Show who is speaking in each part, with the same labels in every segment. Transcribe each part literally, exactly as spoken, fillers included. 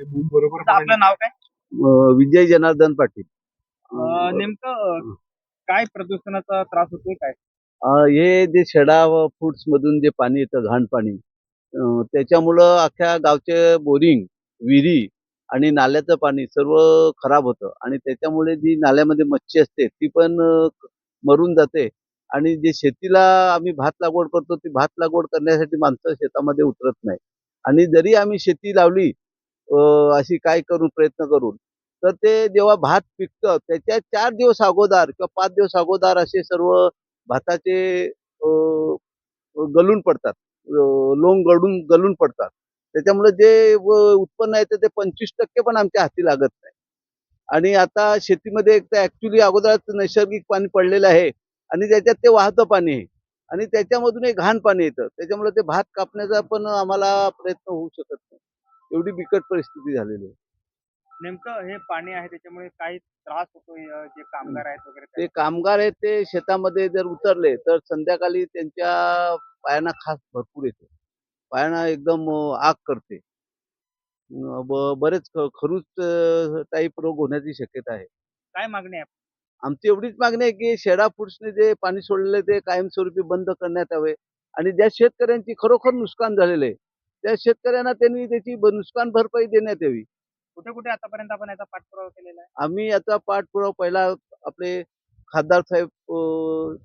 Speaker 1: ते मूग बरोबर
Speaker 2: आता आपलं नाव काय?
Speaker 3: अ, विजय जनार्दन पाटील.
Speaker 2: अ, नेमकं अ, काय प्रदूषणाचा त्रास होतोय काय?
Speaker 3: अ, हे जे शेडा व फूड्स मधून जे पाणी येतं, घाण पाणी, अ, त्याच्यामुळं अख्ख्या गावचे बोरिंग, विहिरी आणि नाल्याचं पाणी सर्व खराब होतं आणि त्याच्यामुळे जी नाल्यामध्ये मच्छी असते ती पण अ, मरून जाते आणि जे शेतीला आम्ही भात लागवड करतो, ती भात लागवड करण्यासाठी माणसं शेतामध्ये उतरत नाही आणि जरी आम्ही शेती लावली अ, अशी काय करून प्रयत्न करून, तर ते जेव्हा भात पिकतं त्याच्या चार दिवस अगोदर किंवा पाच दिवस अगोदर असे सर्व भाताचे अ, गळून पडतात. अ, लोंग गळून गळून पडतात. त्याच्यामुळे जे व उत्पन्न येतं ते पंचवीस टक्के पण आमच्या हाती लागत नाही. आणि आता शेतीमध्ये एक तर ॲक्चुअली अगोदरच नैसर्गिक पाणी पडलेलं आहे आणि त्याच्यात ते वाहतं पाणी आहे आणि त्याच्यामधून एक घाण पाणी येतं. त्याच्यामुळे ते भात कापण्याचा पण आम्हाला प्रयत्न होऊ शकत नाही. एवढी बिकट परिस्थिती झालेली आहे.
Speaker 2: नेमकं हे पाणी आहे त्याच्यामुळे काही त्रास होतोय अ, जे कामगार आहेत वगैरे
Speaker 3: ते
Speaker 2: त्यांना?
Speaker 3: कामगार आहेत ते शेतामध्ये जर उतरले तर संध्याकाळी त्यांच्या पायांना खास भरपूर येते. पायांना एकदम अ, आग करते. अ, ब बरेच ख खरूच अ, टाइप रोग होण्याची शक्यता आहे.
Speaker 2: काय मागणी आहे?
Speaker 3: आमची एवढीच मागणी आहे, की शेडा फूड्सने जे पाणी सोडलेलं ते कायमस्वरूपी बंद करण्यात यावे आणि ज्या शेतकऱ्यांची खरोखर नुकसान झालेलं आहे, त्या शेतकऱ्यांना त्यांनी त्याची ब नुकसान भरपाई देण्यात यावी.
Speaker 2: कुठे-कुठे आतापर्यंत आपण याचा पाठपुरावा केलेला आहे?
Speaker 3: आम्ही याचा पाठपुरावा पहिला आपले खासदार साहेब अ,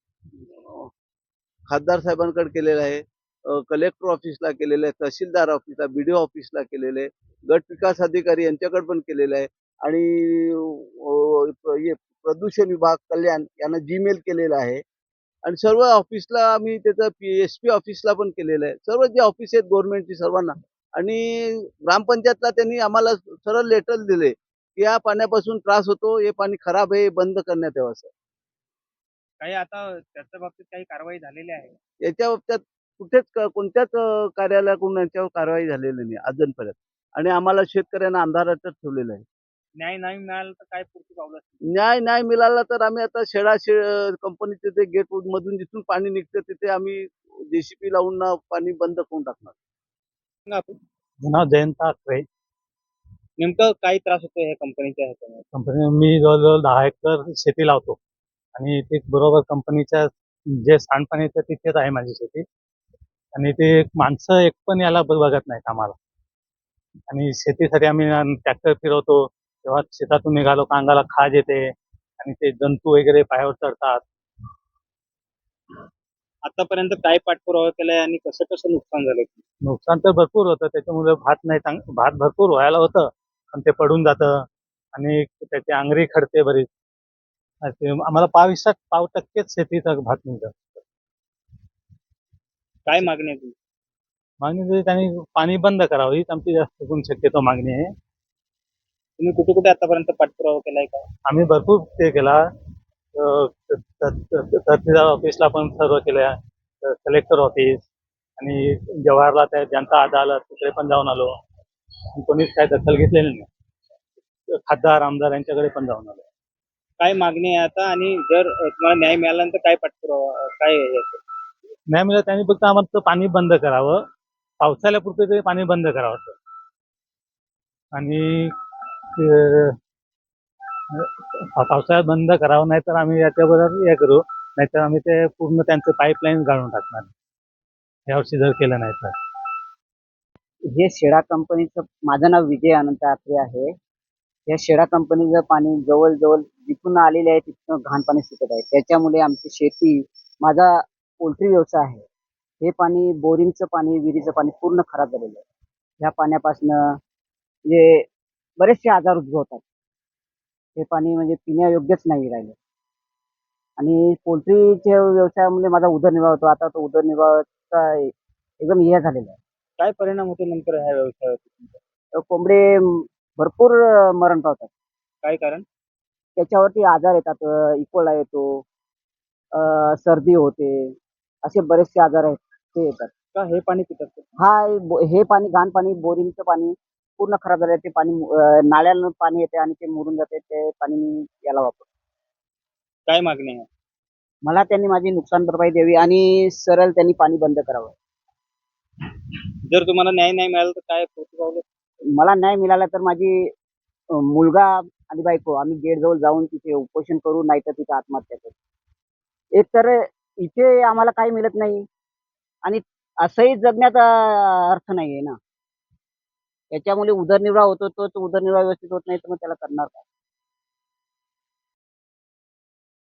Speaker 3: खासदार साहेबांकडे केलेला आहे. अ, कलेक्टर ऑफिसला केलेलं आहे, तहसीलदार ऑफिसला, बी-डी-ओ ऑफिसला केलेलं आहे, गट विकास अधिकारी यांच्याकडे पण केलेलं आहे आणि अ, हे प्रदूषण विभाग, कल्याण यांना जीमेल केलेलं आहे आणि सर्व ऑफिसला आम्ही त्याचं पी एस-पी ऑफिसला पण केलेलं आहे. सर्व जे ऑफिस आहेत गव्हर्नमेंटची सर्वांना आणि ग्रामपंचायतला त्यांनी आम्हाला सरळ लेटर दिले, की या पाण्यापासून त्रास होतो, हे पाणी खराब आहे, हे बंद करण्यात यावं असं.
Speaker 2: काही आता त्याच्या बाबतीत काही कारवाई झालेली आहे?
Speaker 3: याच्या बाबतीत कुठेच क कोणत्याच अ, कार्यालयाकडून याच्यावर कारवाई झालेली नाही अजूनपर्यंत आणि आम्हाला शेतकऱ्यांना अंधारातच ठेवलेलं आहे.
Speaker 2: न्याय नाही मिळाला तर काय पुढची पावलं असतील?
Speaker 3: न्याय नाही मिळाला तर आम्ही आता शेळा शे कंपनीचे ते गेट मधून जिथून पाणी निघतं तिथे आम्ही जे-सी-बी लावून ना पाणी बंद करून टाकणार.
Speaker 2: सांगा आपण.
Speaker 1: माझं नाव जयंत आखरे.
Speaker 2: नेमकं काय त्रास होतोय ह्या कंपनीच्या ह्याच्यामुळे?
Speaker 1: कंपनी मी जवळ-जवळ दहा एकर शेती लावतो आणि ते बरोबर कंपनीच्या जे सांडपाणी येतं तिथेच आहे माझी शेती आणि ते माणसं एक पण याला ब बघत नाहीत आम्हाला आणि शेतीसाठी आम्ही ट्रॅक्टर फिरवतो तेव्हा शेतातून निघालो का अंगाला खाज येते आणि ते जंतू वगैरे पायावर चढतात.
Speaker 2: आतापर्यंत काय पाठपुरावा केलाय आणि कसं-कसं नुकसान झालंय?
Speaker 1: नुकसान तर भरपूर होतं त्याच्यामुळे भात नाही चांग भात भरपूर व्हायला होतं पण ते पडून जातं आणि त्याची आंगरी खडते बरीच. ते आम्हाला पाविसात पाव टक्केच शेतीचा भात निघतं.
Speaker 2: काय मागणी आहे तुमची?
Speaker 1: मागणी तरी त्यांनी पाणी बंद करावं हीच आमची जास्त करून शक्यतो मागणी आहे.
Speaker 2: तुम्ही कुठे-कुठे आतापर्यंत पाठपुरावा केलाय का?
Speaker 1: आम्ही भरपूर ते केला अ, त- त- त- तहसीलदार ऑफिसला पण सर्व केल्या कलेक्टर ऑफिस आणि जवाहरला त्या जनता अदालत तिकडे पण जाऊन आलो पण कोणीच काय दखल घेतलेली नाही. खासदार आमदार यांच्याकडे पण जाऊन आलो.
Speaker 2: काय मागणी आहे आता आणि जर अ, तुम्हाला न्याय मिळाला तर काय पाठपुरावा अ, काय आहे याचं?
Speaker 1: नाही मिळत त्यांनी फक्त आम्हाला पाणी बंद करावं पावसाळ्यापुरते तरी पाणी बंद करावं सर. आणि अ, पावसाळ्यात बंद करावं नाही तर आम्ही याच्याबरोबर हे करू नाहीतर आम्ही ते पूर्ण त्यांचं पाईपलाईन गाळून टाकणार यावर्षी जर केलं नाही तर.
Speaker 4: हे शेडा कंपनीचं माझं नाव विजय अनंत आत्रे आहे. या शेडा कंपनीचं पाणी जवळ-जवळ जिथून आलेले आहे तिथून घाण पाणी सुटत आहे. त्याच्यामुळे आमची शेती, माझा पोल्ट्री व्यवसाय आहे. हे पाणी बोरिंगचं पाणी, विहिरीचं पाणी पूर्ण खराब झालेलं आहे. ह्या पाण्यापासनं म्हणजे बरेचसे आजार उद्भवतात. हे पाणी म्हणजे पिण्यायोग्यच नाही राहिलं. आणि पोल्ट्रीच्या व्यवसायामुळे माझा उदरनिर्वाह होतो. आता तो उदरनिर्वाहाचा एकदम हे झालेला आहे.
Speaker 2: काय परिणाम होतो नंतर ह्या व्यवसायावर?
Speaker 4: तर कोंबडे भरपूर अ, मरण पावतात.
Speaker 2: काय कारण?
Speaker 4: त्याच्यावरती आजार येतात. अ, इकोला येतो, अ, सर्दी होते. असे बरेचसे आजार आहेत ते येतात.
Speaker 2: का हे पाणी पितात?
Speaker 4: हा बो हे पाणी घाण पाणी, बोरिंगचं पाणी पूर्ण खराब झालं ते पाणी अ, नाल्यानं पाणी येते आणि ते मुरून जाते. ते पाणी मी याला वापरतो.
Speaker 2: काय मागणी आहे?
Speaker 4: मला त्यांनी माझी नुकसान भरपाई द्यावी आणि सरळ त्यांनी पाणी बंद करावं.
Speaker 2: जर तुम्हाला न्याय नाही मिळाला तर काय पुढची पावलं?
Speaker 4: मला न्याय मिळाला तर माझी अं, मुलगा आणि बायको आम्ही गेटजवळ जाऊन तिथे उपोषण करू, नाही तर तिथे आत्महत्या करू. एक तर इथे आम्हाला काही मिळत नाही आणि असंही जगण्याचा अर्थ नाहीये ना. त्याच्यामुळे उदरनिर्वाह होतो, तोच उदरनिर्वाह व्यवस्थित होत नाही, तर मग त्याला करणार काय?